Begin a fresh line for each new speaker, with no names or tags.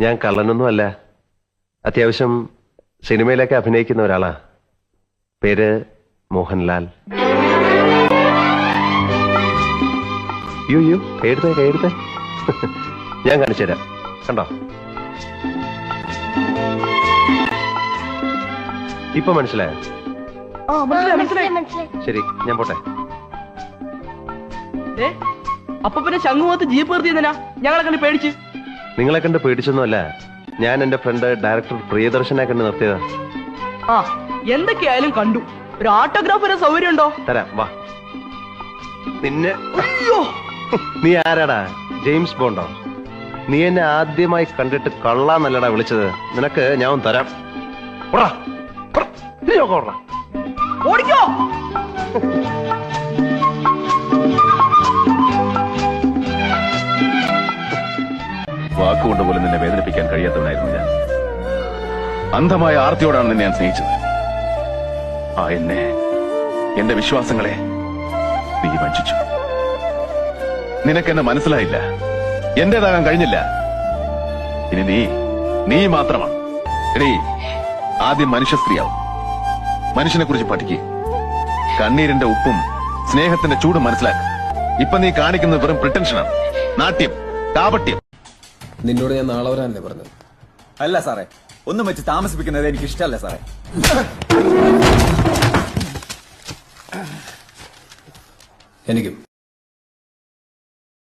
ഞാൻ കള്ളനൊന്നും അല്ല. അത്യാവശ്യം സിനിമയിലൊക്കെ അഭിനയിക്കുന്ന ഒരാളാ. പേര് മോഹൻലാൽ. യോ കൈയെടുത്തേ ഞാൻ കാണിച്ചു തരാം. കണ്ടോ? ഇപ്പൊ മനസ്സിലായോ? ശരി, ഞാൻ പോട്ടെ.
അപ്പൊ പിന്നെ ശംഖുമുഖത്ത് ജീപ്പ് നിർത്തിയതിനാ ഞങ്ങളെ കണ്ട് പേടിച്ച്?
നിങ്ങളെ കണ്ട് പേടിച്ചൊന്നുമല്ല, ഞാൻ എന്റെ ഫ്രണ്ട് ഡയറക്ടർ പ്രിയദർശനെ കണ്ട് നിർത്തിയതാ.
ആ, എന്തൊക്കെയായാലും കണ്ടു. ഒരു ഓട്ടോഗ്രാഫ് വരെ സൗകര്യം ഉണ്ടോ?
തരാം, വാ. നിന്നെ
അയ്യോ,
നീ ആരാടാ? ജെയിംസ് ബോണ്ടോ? നീ എന്നെ ആദ്യമായി കണ്ടിട്ട് കള്ളാന്നല്ലടാ വിളിച്ചത്. നിനക്ക് ഞാൻ തരാം.
ഓടിക്കോ.
വാക്കുകൊണ്ട് പോലും നിന്നെ വേദനിപ്പിക്കാൻ കഴിയാത്തവനായിരുന്നു ഞാൻ. അന്ധമായ ആർത്തിയോടാണ് നിന്നെ ഞാൻ സ്നേഹിച്ചത്. ആ എന്നെ, എന്റെ വിശ്വാസങ്ങളെ നീ വഞ്ചിച്ചു. നിനക്കെന്നെ മനസ്സിലായില്ല, എന്റേതാകാൻ കഴിഞ്ഞില്ല. ഇനി നീ മാത്രമാണ്. എടീ, ആദ്യം മനുഷ്യ സ്ത്രീയാവും. മനുഷ്യനെ കുറിച്ച് പഠിക്കുക. കണ്ണീരിന്റെ ഉപ്പും സ്നേഹത്തിന്റെ ചൂടും മനസ്സിലാക്കുക. ഇപ്പൊ നീ കാണിക്കുന്നത് വെറും പ്രിട്ടൻഷനാണ്, നാട്യം, കാപട്യം.
നിന്നോട് ഞാൻ നാളെ വരാനല്ലേ പറഞ്ഞത്?
അല്ല സാറേ, ഒന്നും വെച്ച് താമസിപ്പിക്കുന്നത് എനിക്ക് ഇഷ്ടമല്ല സാറേ.
എനിക്കും